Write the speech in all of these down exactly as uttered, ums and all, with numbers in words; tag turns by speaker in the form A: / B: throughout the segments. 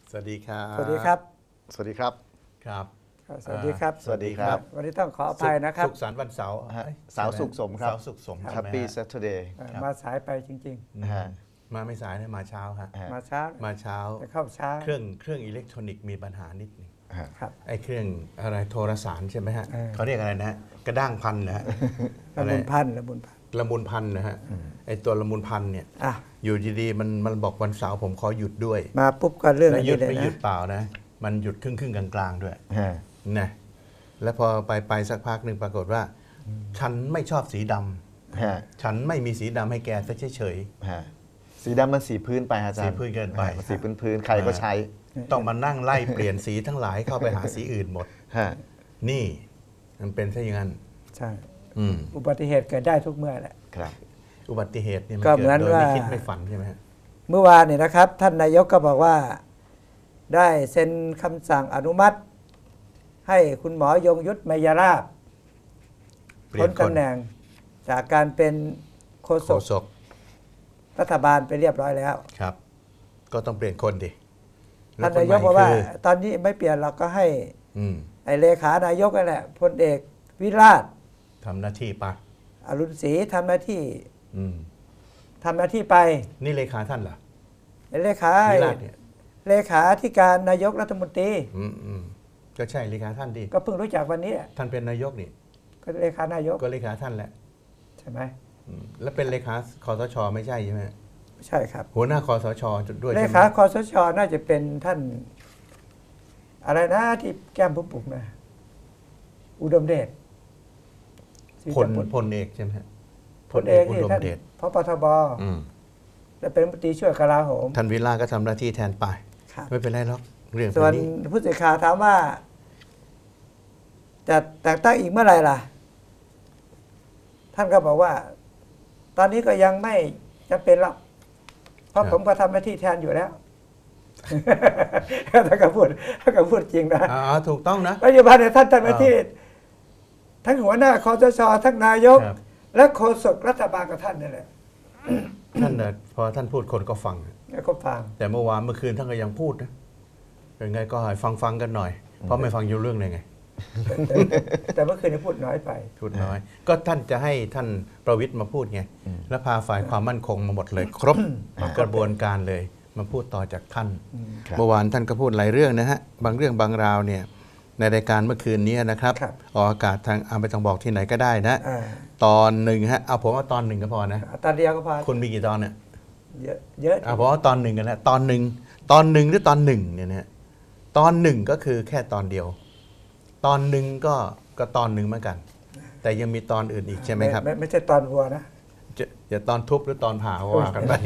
A: สวัสดีครับ
B: สวัสดีครับ
C: สวัสดีครับ
A: ครับ
B: สวัสดีครับ
C: สวัสดีครับ
B: วันนี้ต้องขออภัยนะครับ
A: สุขสันต์วันเสาร์
C: ฮะ
A: เอ้ย
C: เสาร์สุขสมครับ
A: เสาร์สุขสมใช่ไหม
C: Happy
A: ฮะ
C: Saturday
B: เอ่อ
A: ครับ
B: มาสายไปจริง
A: อืม
C: ฮะ
A: มาไม่สายนะมาเช้าฮะ
C: ฮะ
B: ๆ มาช้า
A: มาเช้า
B: จะเข้าช้า
A: เครื่องเครื่องอิเล็กทรอนิกส์มีปัญหานิดหนึง
C: ฮะ
B: ครับ
A: ไอ้เครื่องอะไรโทรสารใช่ไหมฮะ
B: เออ
A: เขาเรียกอะไรนะฮะกระด้างพันนะฮะ
B: ละมุนพันละมุนพัน
A: ละมุนพันนะฮะไอ้ตัวละมุนพันเนี่ย
B: อ่ะ
A: อยู่ดีๆมันมันบอกวันเสาร์ผมขอหยุดด้วย
B: มาปุ๊บก็เรื่อง
A: แล้ว
B: อัน
A: หยุ
B: นี้
A: ด
B: เลย
A: ไม่หยุ
B: นะ
A: ดเปล่านะมันหยุดครึ่งครึ่งๆกลางๆด้วย
C: ฮะ
A: นะแล้วพอไปไปสักพักหนึ่งปรากฏว่า ฉันไม่ชอบสีดำ
C: ฮะ
A: ฉันไม่มีสีดำให้แกซะเฉย
C: ฮะสีดำมันสีพื้นไปอาจารย์
A: สีพื้นเกินไป
C: ฮะสีพื้นพื้นใครก็ใช้
A: ๆต้องมานั่งไล่เปลี่ยนสีทั้งหลายเข้าไปหาสีอื่นหมด
C: ฮะ
A: นี่มันเป็นซะอย่างนั้น
B: ใช่
A: อืม
B: อุบัติเหตุเกิดได้ทุกเมื่อแหละ
C: ครับ
A: อุบัติเหตุเนี่ยมัน
B: ก็
A: เกิ
B: เหมือ
A: ด
B: น
A: โดยไม่
B: ว่า
A: คิดไม่ฝันใช่ไหมฮะ
B: เมื่อวานเนี่ยนะครับ ท่านนายกก็บอกว่า ได้เซ็นคำสั่งอนุมัติ ให้คุณหมอยงยุทธไมยราบ
A: เปลี่ย
B: พ้
A: น
B: น
A: คน
B: ตำแหน่งจากการเป็นโฆ
A: โฆ
B: ษก
A: ษก
B: รัฐบาลไปเรียบร้อยแล้ว
A: ครับ ก็ต้องเปลี่ยนคนดิแล้
B: ท่าน
A: คน
B: นาย
A: ใหม่
B: กบอกว่า
A: คือ
B: ตอนนี้ไม่เปลี่ยนเราก็ให้
A: อืม
B: ไอเลขานายกนั่นแหละพลเอกวิราช
A: ทำหน้าที่ปะ
B: อรุณศรีทำหน้าที่
A: อืม
B: ทำหน้าที่ไป
A: นี่เลขาท่านเหรอ
B: เลขา
A: วิราชเนี่ย
B: เลขาธิการนายกรัฐมนตรี
A: อืมอืมก็ใช่เลขาท่านดิ
B: ก็เพิ่งรู้จักวันนี้
A: ท่านเป็นนายกนี่
B: ก็เลขานายก
A: ก็เลขาท่านแหละ
B: ใช่ไหม
A: อืมแล้วเป็นเลขาคอสชไม่ใช่ใช่ไหม
B: ใช่ครับ
A: หัวหน้าคอสชด้วย
B: เล
A: ใช่ไหม
B: ขาคอสชน่าจะเป็นท่าน อะไรนะที่แก้มปุกๆนะอุดมเดชศรี
A: พล
B: ตะปุต
A: พลเอกใช่ไหมฮะ
B: พลเอก
A: อุ
B: นี่
A: ดม
B: ท่าน
A: เดช
B: พปทบ
A: อืม
B: และเป็นรัฐมนตรีช่วยกลาโหม
A: ท่านวิลาก็ทำหน้าที่แทนไป
B: ครับ
A: ไม่เป็นไรหรอกเรื่อง
B: ส่วน
A: นี้
B: ผู้สื่อข่าวถามว่าจะแต่งตั้งอีกเมื่อไหร่ล่ะ ท่านก็บอกว่า ตอนนี้ก็ยังไม่จำเป็นหรอกเพราะผมก็ทำหน้าที่แทนอยู่แล้ว ถ้าก็พูดถ้าก็พูดจริงนะ
A: อ่าถูกต้องนะ
B: ปัจจุบันเนี่ยท่านทำหน้าที่ ทั้งหัวหน้าคอสชทั้งนายก
A: ครับ
B: และโฆษกรัฐบาลกับท่านนี่แหละ
A: ท่านน่ะพอท่านพูดคนก็ฟัง
B: แล้วก็ฟัง
A: แต่เมื่อวานเมื่อคืนท่านก็ยังพูดนะเป็นไงก็ให้ฟังฟังกันหน่อย เพราะไม่ฟังอยู่เรื่องเลยไง
B: แต่แต่เมื่อคืนนี้พูดน้อยไป
A: พูดน้อย ก็ท่านจะให้ท่านประวิตรมาพูดไง แล้วพาฝ่ายความมั่นคงมาหมดเลย ครบกระบวนการเลยมาพูดต่อจากท่าน
C: ครับ
A: เมื่อวานท่านก็พูดหลายเรื่องนะฮะ บางเรื่องบางราวเนี่ยในรายการเมื่อคืนนี้นะครับ
B: ครับ
A: ออกอากาศทางอาไม่ต้องบอกที่ไหนก็ได้นะ
B: อ่า
A: ตอนหนึ่งฮะเอาผมว่าตอนหนึ่งก็พอนะ
B: ตอนเดียวก็พอ
A: คุณมีกี่ตอนเนี่ย
B: เยอะเยอะ
A: เอาผมว่าตอนหนึ่งกันนะตอนหนึ่งตอนหนึ่งหรือตอนหนึ่งเนี่ยนะฮะตอนหนึ่งก็คือแค่ตอนเดียว ตอนหนึ่งก็ก็ตอนหนึ่งเหมือนกัน แต่ยังมีตอนอื่นอีกใช่ไหมครับ
B: ไม่ไม่ใช่ตอนวัวนะ
A: จะอย่าตอนทุบหรือตอนผ่าก็ว่ากันไป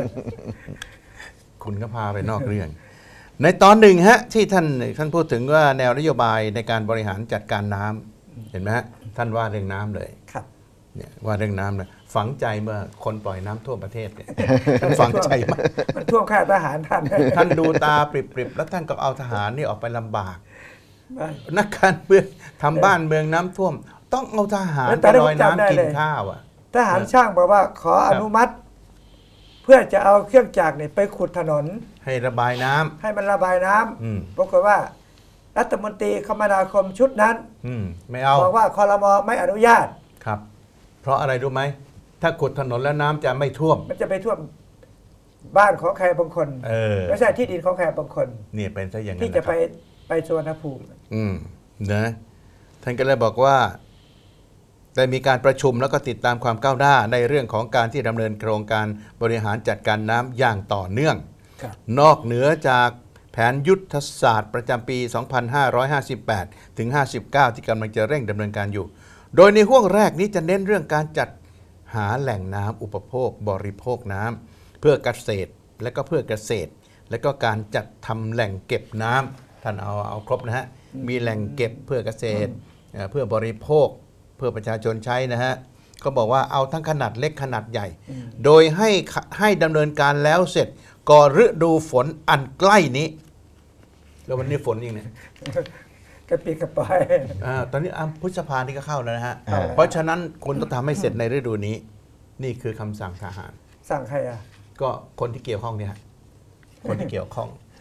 A: คุณก็พาไปนอกเรื่อง ในตอนหนึ่งฮะที่ท่านท่านพูดถึงว่าแนวนโยบายในการบริหารจัดการน้ำเห็นไหมฮะท่านว่าเรื่องน้ำเลย
B: ครับ
A: เนี่ยว่าเรื่องน้ำเลยฝังใจเมื่อคนปล่อยน้ำท่วมประเทศเนี่ย ท่านฝังใจมาก
B: มันท่วมค่ายทหารท่าน
A: ท่านดูตาปริบๆแล้วท่านก็เอาทหารนี่ออกไปลำบาก นักการเมืองทำบ้านเมืองน้ำท่วม ต้องเอาทหารไปลอยน้ำกินข้าวอ่ะ
B: ทหารช่างบอกว่าขออนุมัติ เพื่อจะเอาเครื่องจักรเนี่ยไปขุดถนน
A: ให้ระบายน้ำ
B: ให้มันระบายน้ำ
A: อืม
B: ปรากฏว่า รัฐมนตรีคมนาคมชุดนั้น
A: อืมไม่เอา
B: บอกว่าคอรมอไม่อนุญาต
A: ครับ เพราะอะไรรู้ไหมถ้าขุดถนนแล้วน้ำจะไม่ท่วม
B: มันจะไปท่วมบ้านของใครบางคน
A: เออ
B: ไม่ใช่ที่ดินของใครบางคน
A: เนี่ยเป็นซะอย่างนั้น
B: ที่จะ
A: นค
B: ไป
A: รับ
B: ไปสวนภูมิ
A: อืมนะท่านก็เลยบอกว่าได้มีการประชุมแล้วก็ติดตามความก้าวหน้าในเรื่องของการที่ดำเนินโครงการบริหารจัดการน้ำอย่างต่อเนื่อง
B: ครับ
A: นอกเหนือจากแผนยุทธศาสตร์ประจำปี สองพันห้าร้อยห้าสิบแปด ถึง ห้าสิบเก้า ที่กำลังจะเร่งดำเนินการอยู่ โดยในห่วงแรกนี้จะเน้นเรื่องการจัดหาแหล่งน้ำอุปโภคบริโภคน้ำเพื่อเกษตรและก็เพื่อเกษตร และก็การจัดทำแหล่งเก็บน้ำท่านเอาเอาครบนะฮะมีแหล่งเก็บเพื่อเกษตรเอ่อเพื่อบริโภคเพื่อประชาชนใช้นะฮะก็บอกว่าเอาทั้งขนาดเล็กขนาดใหญ่ โดยให้ให้ดำเนินการแล้วเสร็จก่อนฤดูฝนอันใกล้นี้ แล้ววันนี้ฝนยังเนี่ย
B: กระปิดกระปอย
A: อาตอนนี้อ่ะพฤษภานี่ก็เข้าแล้วนะฮะ
C: อ่า
A: เพราะฉะนั้นคุณต้องทำให้เสร็จในฤดูนี้ นี่คือคำสั่งทหาร
B: สั่งใครอ่ะ
A: ก็คนที่เกี่ยวข้องเนี่ยฮะคนที่เกี่ยวข้อง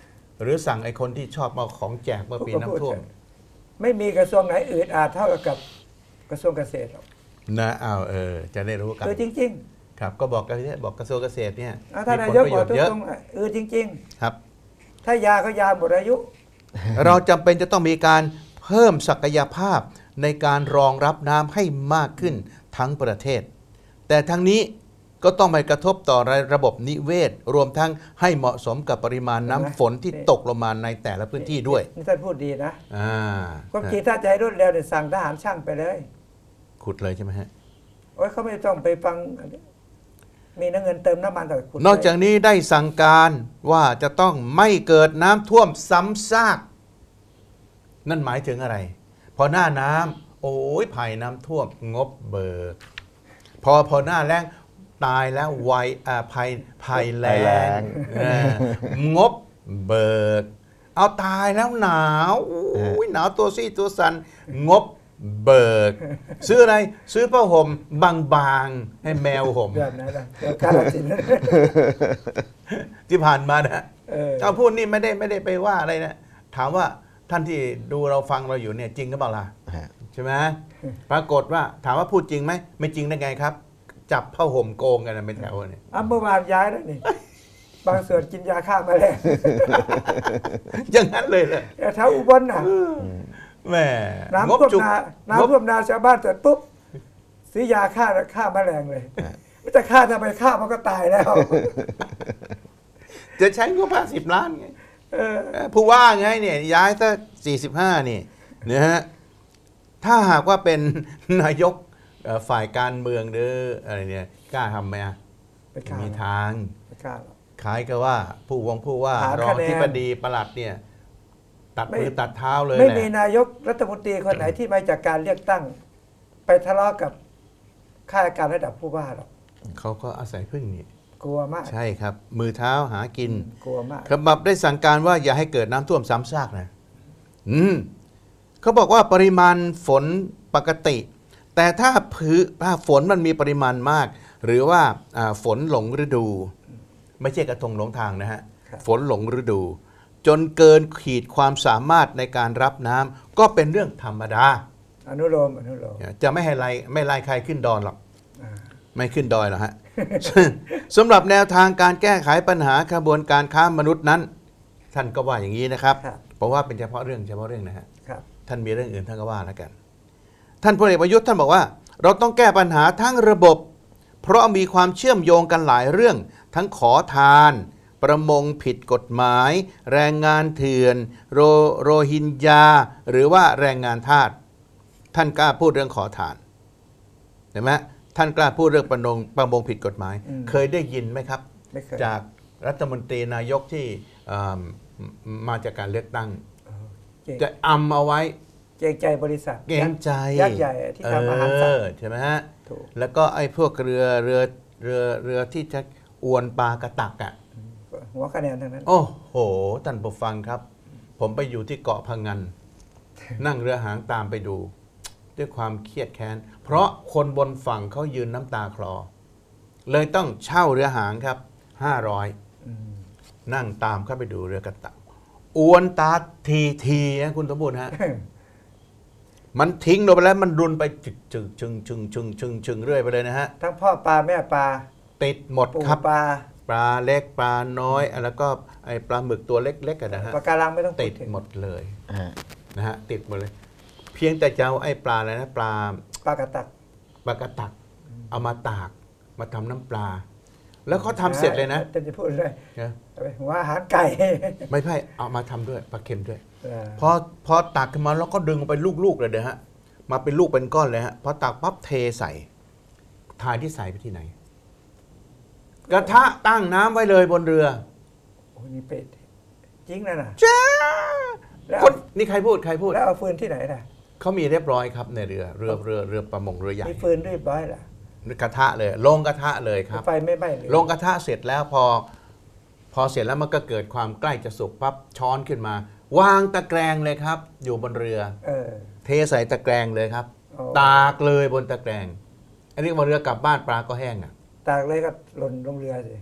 A: หรือสั่งไอ้คนที่ชอบมาของแจกเมื่อปีน้ำท่วม
B: ไม่มีกระทรวงไหนอืดอาดเท่ากับกระทรวงเกษตรหรอก
A: นะอ้าวเออจะได้รู้กัน
B: คือจริง
A: ครับก็บอกกันเนี่ยบอกกระทรวงเกษตรเนี่ย
B: ๆอ่ะท่าน
A: มี
B: นา
A: ผล
B: ยก
A: ประ
B: บ
A: โย
B: อก
A: ชน์เยอะ
B: ตรงๆเออจริง
A: ครับ
B: ๆ ถ้ายาก็ยาหมดอายุ
A: เราจำเป็นจะต้องมีการเพิ่มศักยภาพในการรองรับน้ำให้มากขึ้นทั้งประเทศ แต่ทั้งนี้ก็ต้องไม่กระทบต่อระบบนิเวศ รวมทั้งให้เหมาะสมกับปริมาณน้ำฝนที่ตกลงมาในแต่ละพื้นที่ด้วย
B: นี่ท่านพูดดีนะ
A: อ่า
B: ความจริงถ้าจะให้รวดเร็วเนี่ยสั่งทหารช่างไปเลย
A: ขุดเลยใช่ไหมฮะ
B: โอ้ยเขาไม่ต้องไปฟัง มีน้ำเงินเติมน้ำมันแต่ขุด
A: นอกจากนี้ได้สั่งการว่าจะต้องไม่เกิดน้ำท่วมซ้ำซาก นั่นหมายถึงอะไร พอหน้าน้ำโอ้ยภัยน้ำท่วมงบเบิก พอพอหน้าแล้งตายแล้วไวอ่าภัยภัยแล้
C: ภัยแล้
A: ง
C: ง
A: เอองบเบิก เอาตายแล้วหนาวโอ้ยหนาวตัวซี่ตัวสันงบเบิก ซื้ออะไรซื้อผ้าห่มบางๆให้แมวห่ม
B: แบบนั้นนะแบบกาลสินธุ์
A: ที่ผ่านมานะ
B: เออ
A: เอาพูดนี่ไม่ได้ไม่ได้ไปว่าอะไรนะ ถามว่าท่านที่ดูเราฟังเราอยู่เนี่ยจริงหรือเปล่าล่ะ
C: ฮะ
A: ใช่ไหมปรากฏว่าถามว่าพูดจริงไหมไม่จริงได้ไงครับ จับผ้าห่มโกงกันนะเป็นแถวเนี่ย
B: อ่ะเมื่อวานย้ายแล้วนี่ บางส่วนกินยาฆ่าแมลง
A: อย่างนั้นเลยเลย
B: แต่แถวอุบลน่ะ
A: แหม่
B: น้ำ
A: งบ
B: ท่วม
A: จุก
B: นาง
A: บ
B: น้ำท่วมนาชาวบ้านเสร็จปุ๊บซื้อยาฆ่าฆ่าแมลงเลยไม่จะฆ่าทำไมฆ่ามันก็ตายแล้ว
A: จะใช้งบห้าสิบล้านไง
B: เออ
A: เออผู้ว่าไงเนี่ยย้ายซะสี่สิบห้านี่นะฮะถ้าหากว่าเป็น นายกเอ่อฝ่ายการเมืองหรืออะไรเนี่ยกล้าทำไหมอ่ะ
B: ไม่กล้า
A: มีทาง
B: ไม่กล้าหรอก
A: คล้ายกับว่าผู้วงผู้ว่า
B: หาร
A: รอง
B: คะแนน
A: ที่ปดีประหลัดเนี่ย ตัด
B: ไม่
A: มือตัดเท้าเลย
B: ไม่
A: แหละ
B: มีนายกรัฐมนตรีคนไหนที่มาจากการเลือกตั้ง ไปทะเลาะกับข้าราชการระดับผู้ว่าหรอก
A: เขาก็อาศัยพึ่งนี่
B: กลัวมาก
A: ใช่ครับ มือเท้าหากิน
B: กลัวมาก
A: ขบับได้สั่งการว่าอย่าให้เกิดน้ำท่วมซ้ำซากนะอืมเขาบอกว่าปริมาณฝนปกติ แต่ถ้าพื้นถ้าฝนมันมีปริมาณมาก หรือว่าอ่าฝนหลงฤดู ไม่ใช่กระทงหลงทางนะฮะ
B: ครับ
A: ฝนหลงฤดู จนเกินขีดความสามารถในการรับน้ำก็เป็นเรื่องธรรมดา
B: อนุโลมอนุโลม
A: จะไม่ให้ไล่ไม่ไล่ใครขึ้นดอนหรอก
B: อ่า
A: ไม่ขึ้นดอยหรอกฮะ สำหรับแนวทางการแก้ไขปัญหาขบวนการค้ามนุษย์นั้น ท่านก็ว่าอย่างนี้นะครับ
B: ครับ
A: เพราะว่าเป็นเฉพาะเรื่องเฉพาะเรื่องนะฮะ
B: ครับ
A: ท่านมีเรื่องอื่นท่านก็ว่าแล้วกัน ท่านพลเอกประยุทธ์ท่านบอกว่า เราต้องแก้ปัญหาทั้งระบบ เพราะมีความเชื่อมโยงกันหลายเรื่อง ทั้งขอทาน ประมงผิดกฎหมาย แรงงานเถื่อน โรโรฮิงญาหรือว่าแรงงานทาสท่านกล้าพูดเรื่องขอทานเห็นไหมท่านกล้าพูดเรื่องประมงประมงผิดกฎหมาย
B: อืม
A: เคยได้ยินไหมครับ
B: ไม่เคย
A: จากรัฐมนตรีนายกที่เอ่อมาจากการเลือกตั้ง
B: เก่ง
A: จะอำเอาไว้
B: เกรงใจบริษัท
A: เกรงใจ
B: ยักษ์ใหญ่ที่ทำอาหารสัต
A: เอ
B: ว์
A: อใช่ไหมฮะ
B: ถูก
A: แล้วก็ไอ้พวกเรือเรือเรือเรือที่จะอวนปลากระตักอ่ะ
B: หัวคะแนนทั้งนั้น
A: โอ้โหท่านผู้ฟังครับ ผมไปอยู่ที่เกาะพังงาน นั่งเรือหางตามไปดู ด้วยความเครียดแค้น เพราะคนบนฝั่งเขายืนน้ำตาคลอ เลยต้องเช่าเรือหางครับห้าร้อย
B: อืม
A: นั่งตามเข้าไปดูเรือกระตักอวนตาทีทีนะคุณสมบูรณ์ฮะ มันทิ้งลงไปแล้วมันรุนไปจึกจึกชึงชึงชึงชึงชึงเรื่อยไปเลยนะฮะ
B: ทั้งพ่อปลาแม่ปลา
A: ติดหมด
B: ปู
A: ครับ
B: ปลา
A: ปลาเล็กปลาน้อย แล้วก็ไอ้ปลาหมึกตัวเล็กๆกันนะฮะ
B: ปลาการังไม่ต้อง
A: ติด
B: พูถึง
A: หมดเลย
C: ฮะ
A: นะฮะติดหมดเลย เพียงแต่จะเอาไอ้ปลาอะไรนะปลา
B: ปลากระตัก
A: ปลากระตัก เอามาตากมาทำน้ำปลา แล้วเขาทำเสร็จเลยนะ
B: จะจะพูดเลย
A: นะ
B: หัวอาหารไก่
A: ไม่ใช่เอามาทำด้วยปลาเค็มด้วย
B: เออ
A: พอพอตักขึ้นมาแล้วก็ดึงไปลูกๆเลยเด้อฮะมาเป็นลูกเป็นก้อนเลยฮะพอตักปั๊บเทใส่ทายที่ใส่ไปที่ไหน กระทะตั้งน้ำไว้เลยบนเรือ
B: โอ้นี่เป็ดจริงนะน่ะ
A: จ้า
B: แล้ว
A: คนนี่ใครพูดใครพูด
B: แล้วเอาฟืนที่ไหนล่ะ
A: เขามีเรียบร้อยครับในเรือเรือเรือเรือประมงเรือใหญ่
B: มีฟืนเรียบร้อยล่ะ
A: กระทะเลยลงกระทะเลยครับ
B: ไฟไม่ไหม้เลย
A: ลงกระทะเสร็จแล้วพอ พอเสร็จแล้วมันก็เกิดความใกล้จะสุกปั๊บช้อนขึ้นมา วางตะแกรงเลยครับ อยู่บนเรือ
B: เออ
A: เทใส่ตะแกรงเลยครับ
B: อ๋อ
A: ตากเลยบนตะแกรงอันนี้บนเรือกลับบ้านปลาก็แห้งอ่ะ
B: ตากเลยก็หล่นลงเรือสิ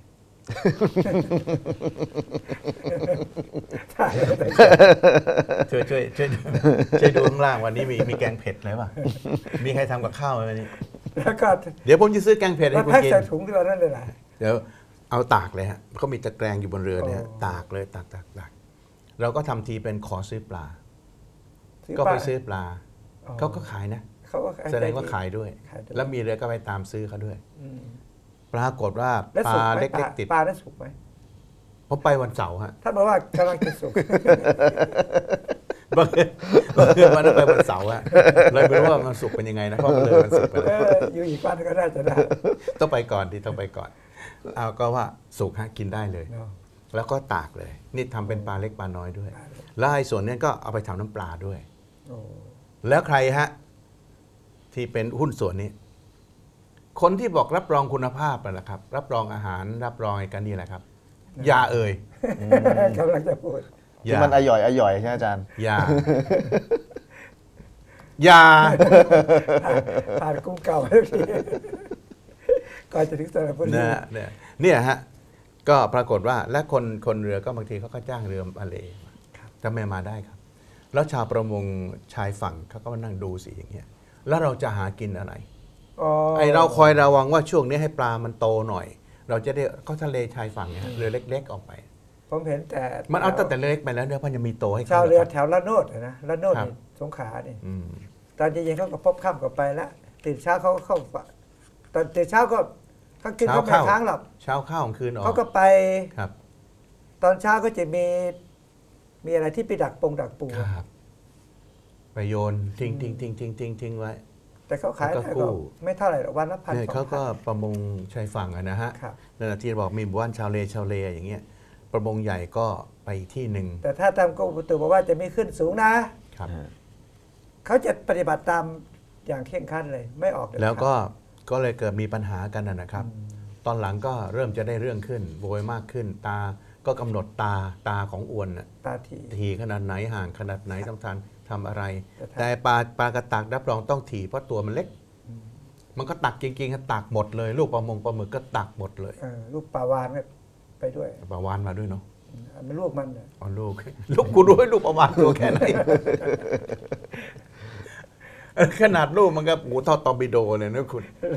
A: ช่วยช่วยช่วยช่วยดูข้างล่างวันนี้มีมีแกงเผ็ดอะไรป่ะมีใครทำกับข้าวไหมวันนี้
B: แล้วก็
A: เดี๋ยวผมจะซื้อแกงเผ็ด
B: แล้
A: ให้
B: ว
A: คุณ
B: แพ็ค
A: กิน
B: ใส่ถุงที่เรานั่นเลยล่ะ
A: เดี๋ยวเอาตากเลยฮะเขามีตะแกรงอยู่บนเรือเนี่ยฮะ
B: โอ้
A: ตากเลยตากตากตากเราก็ทำทีเป็นขอซื้อปลา
B: ซื้อ
A: ก็
B: ปลา
A: ไปซื้อปลา
B: อ๋อ
A: เขาก็ขายนะ
B: เขาก็
A: แสดงว่าขายด้วย
B: ขายด้วย
A: แล้วมีเรือก็ไปตามซื้อเขาด้วย
B: อืม
A: ปรากฏว่า
B: แล้ว
A: ป
B: สุก
A: ลา
B: ไหม
A: เล็
B: ปลาก
A: ๆติด
B: ปลาได้สุกไหม
A: ผมไปวันเสาร์ฮะ
B: ท่านบอกว่ากำลังจะสุก
A: บังเอิญบังเอิญวันนั้นไปวันเสาร์ฮะเลยไม่รู้ว่ามันสุกเป็นยังไงนะเพราะมันเลยมันสุกไป
B: เอ
A: แล้ว
B: ออยู่อีกวันก็น่าจะได้
A: ต้องไปก่อนดีต้องไปก่อนเอาก็ว่าสุกฮะกินได้เลย
B: เนาะ
A: แล้วก็ตากเลย นี่ทำเป็นปลาเล็กปลาน้อยด้วย แล้วไอ้ส่วนเนี้ยก็เอาไปทำน้ำปลาด้วย
B: โอ้
A: แล้วใครฮะที่เป็นหุ้นส่วนนี้ คนที่บอกรับรองคุณภาพนั่นแหละครับ รับรองอาหารรับรองไอ้กันนี่แหละครับอย่าเอ่ย
B: กำลังจะพูด
A: อ
C: ที่
A: ย่า
C: มันอร่อยอร่อยใช่ไหมอาจารย์
A: อย่าอย่า
B: ผ่านกุ้งเก่าแล้วทีก่อนจะถึงสระบุรี
A: นะฮะเนี่ยเนี่ยฮะก็ปรากฏว่าและคนคนเรือก็บางทีเขาก็จ้างเรือมาเลจะไม่มาได้ครับ แล้วชาวประมงชายฝั่งเขาก็มานั่งดูสิอย่างเงี้ยแล้วเราจะหากินอะไร
B: อ๋อ
A: ไอเราคอยระวังว่าช่วงนี้ให้ปลามันโตหน่อย เราจะได้เขาทะเลชายฝั่งเนี่ยฮะเรือเล็ก ๆ ออกไป
B: ผมเห็นแต่
A: มันเอาตั้งแต่เล็กไปแล้วเนื้อพันยังมีโตให้
B: ชาว
A: ข
B: เรือ
A: คบ
B: แถวละโนดอะนะละโนด
A: ครับ
B: นี่สงขลานี่
A: อืม
B: ตอนเย็นๆเขาก็พบค่ำก็ไปแล้วตื่นเช้าเขาก็เข้าฝั่งตอนตื่นเช้าก็เขากินเขาไม่ค้างหรอก
A: เช้าข้าวของคืนออก
B: เขาก็ไป
A: ครับ
B: ตอนเช้าก็จะมีมีอะไรที่ไปดักปงดักปู
A: ครับไปโยนทิ้งทิ้งทิ้งทิ้งทิ้งทิ้งไว้
B: แต่เขาขาย
A: แล้วก็
B: ได้
A: กู้
B: ก็ไม่เท่าไหร่หรอกวันละพัน
A: เนี่ย
B: สอง
A: เขาก็
B: พัน
A: ประมงชายฝั่งอะนะฮะ
B: ครับ
A: นั่นแหละที่บอกมีหมู่บ้านชาวเลชาวเลอย่างเงี้ยประมงใหญ่ก็ไปอีกที่หนึ่ง
B: แต่ถ้าตามกรมอุตุบอกว่าจะไม่ขึ้นสูงนะ
A: ครับ
B: เขาจะปฏิบัติตามอย่างเคร่งครัดเลย ไม่ออกเด็ดขาด
A: แล้วก็ก็เลยเกิดมีปัญหากันนะนะครับ ตอนหลังก็เริ่มจะได้เรื่องขึ้นโวยมากขึ้น ตาก็กำหนดตาตาของอวนน่ะ
B: ตาที
A: ทีขนาดไหนห่างขนาดไหนต้องทานทำอะไร
B: แต่ถ้า
A: แต่ปลาปลากระตักรับรองต้องถี่เพราะตัวมันเล็ก มันก็ตักจริงๆครับตักหมดเลย ลูกปลามงปลาหมึกก็ตักหมดเลย
B: เออลูกปลาวานก็ไปด้วย
A: ปลาวานมาด้วยเนาะ
B: อันมันลูกมันน่ะ
A: อ๋อลูก ลูกกูรู้ให้ลูกปลาวานตัวแค่ไหน ขนาดลูกมันก็หูเท่าตอร์ปิโดเลยนะคุณ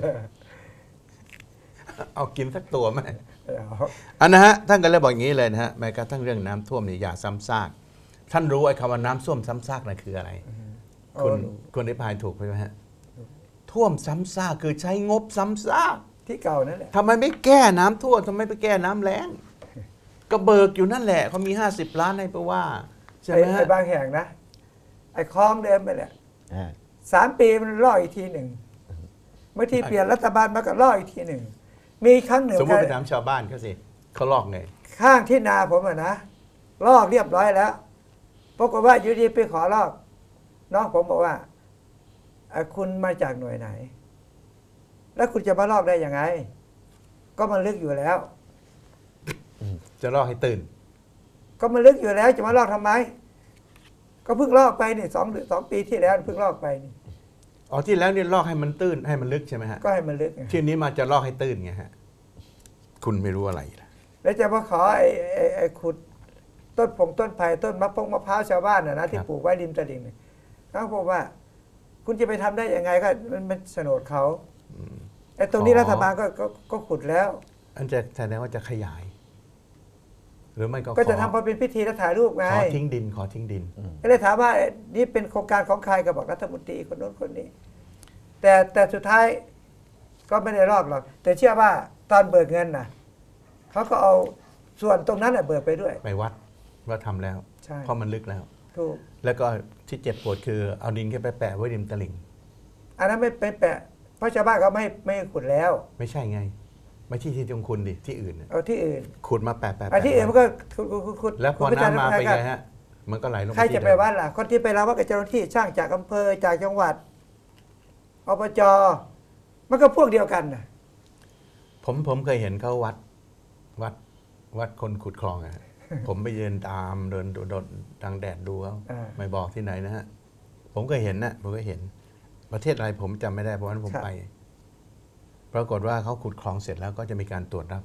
A: เอากินสักตัวไหม
B: เอา
A: อันนะฮะท่านก็เลยบอกอย่างนี้เลยนะฮะแม้กระทั่งเรื่องน้ำท่วมเนี่ยอย่าซ้ำซากท่านรู้ไอ้คำว่าน้ำท่วมซ้ำซากนั่นคืออะไร คุณ
B: เอา
A: คุณได้พายถูกไหมฮะท่วมซ้ำซากคือใช้งบซ้ำซาก
B: ที่เก่านั่นแหละ
A: ทำไมไม่แก้น้ำท่วมทำไมไปแก้น้ำแล้งก็เบิกอยู่นั่นแหละเขามีห้าสิบล้านให้ไปว่าใช่
B: ไอ้
A: ไหมฮะ
B: ไอ้บางแห่งนะ ไอ้คลองเดิมไปแหละ
C: อ่า
B: สามปีมันลอกอีกทีหนึ่งเมื่อที่เปลี่ยนรัฐบาลมาก็ลอกอีกทีหนึ่งมีครั้งหนึ่ง
A: สมมติไปถามชาวบ้านเขาสิเขาลอกไง
B: ข้างที่นาผมอะนะลอกเรียบร้อยแล้วปรากฏว่าอยู่ดีไปขอลอก น้องผมบอกว่าเอ่อคุณมาจากหน่วยไหน แล้วคุณจะมาลอกได้ยังไง ก็มันลึกอยู่แล้ว
A: จะลอกให้ตื่น
B: ก็มันลึกอยู่แล้วจะมาลอกทำไม ก็เพิ่งลอกไปนี่สองเดือนสองปีที่แล้วเพิ่งลอกไปนี่
A: อ๋อที่แล้วเนี่ยลอกให้มันตื้นให้มันลึกใช่ไหมฮะ
B: ก็ให้มันลึกไง
A: ที่นี้มาจะลอกให้ตื้นไงฮะคุณไม่รู้อะไรล่ะ
B: แล้วจะมาขอไอ้ไอ้ไอ้ขุดต้นผงต้นไผ่ต้นมะพร้าวมะพร้าวชาวบ้านนะนะที่ปลูกไว้ริมตลิ่งเนี่ยเขาบอกว่า คุณจะไปทำได้ยังไงก็มันเป็นโฉนดเขาไอ้ตรงนี้รัฐบาลก็ก็ก็ขุดแล้ว
A: อันจะแสดงว่าจะขยาย หรือไม่ก็
B: ก็จะ
A: ขอ
B: ทำพอเป็นพิธีแล้วถ่ายรูปไง
A: ขอทิ้งดินขอทิ้งดิน
B: ก็เลยถามว่าเอ๊ะนี่เป็นโครงการของใครก็บอกรัฐมนตรีคนโน้นคนนี้ แต่แต่สุดท้ายก็ไม่ได้รอบหรอก แต่เชื่อว่าตอนเบิกเงินน่ะเขาก็เอาส่วนตรงนั้นน่ะเบิกไปด้วย
A: ไปวัดว่าทำแล้ว
B: ใช่
A: เพราะมันลึกแล้ว
B: ถูก
A: แล้วก็ที่เจ็บปวดคือเอาดินแค่ไปแปะไว้ริมตลิ่ง
B: อันนั้นไม่ไปแปะเพราะชาวบ้านเขาไม่ไม่ขุดแล้ว
A: ไม่ใช่ไง ไม่ที่ที่ของคุณดิที่อื่นน่ะ
B: เอาที่อื่น
A: ขุดมาแปะแปะ
B: อัน
A: แปะ
B: ที่อื่นมันก็ขุดขุดขุดขุด
A: แล้วพอ
B: ขุด
A: น้ำมา
B: ใช่
A: เป็น
B: ห
A: ไงฮะ มันก็ไหลลง
B: ใคร
A: ที่
B: จะไป
A: เดิม
B: วัดล่ะ คนที่ไปรับว่ากับเจ้าหน้าที่ช่างจากอำเภอจากจังหวัดอบจมันก็พวกเดียวกันน่ะ
A: ผมผมเคยเห็นเขาวัดวัดวัดคนขุดคลองอะฮะ ผมไปเดินตามเดินโดดทางแดดดูเขา
B: อ่า
A: ไม่บอกที่ไหนนะฮะ ผมก็เห็นนะผมก็เห็น ประเทศอะไรผมจำไม่ได้เพราะว่าผมไป ปรากฏว่าเขาขุดคลองเสร็จแล้วก็จะมีการตรวจรับ
B: ค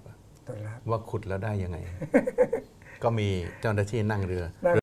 B: ต้อนรับ
A: ว่าขุดแล้วได้ยังไง ก็มีเจ้าหน้าที่นั่งเรือ
B: นั่ง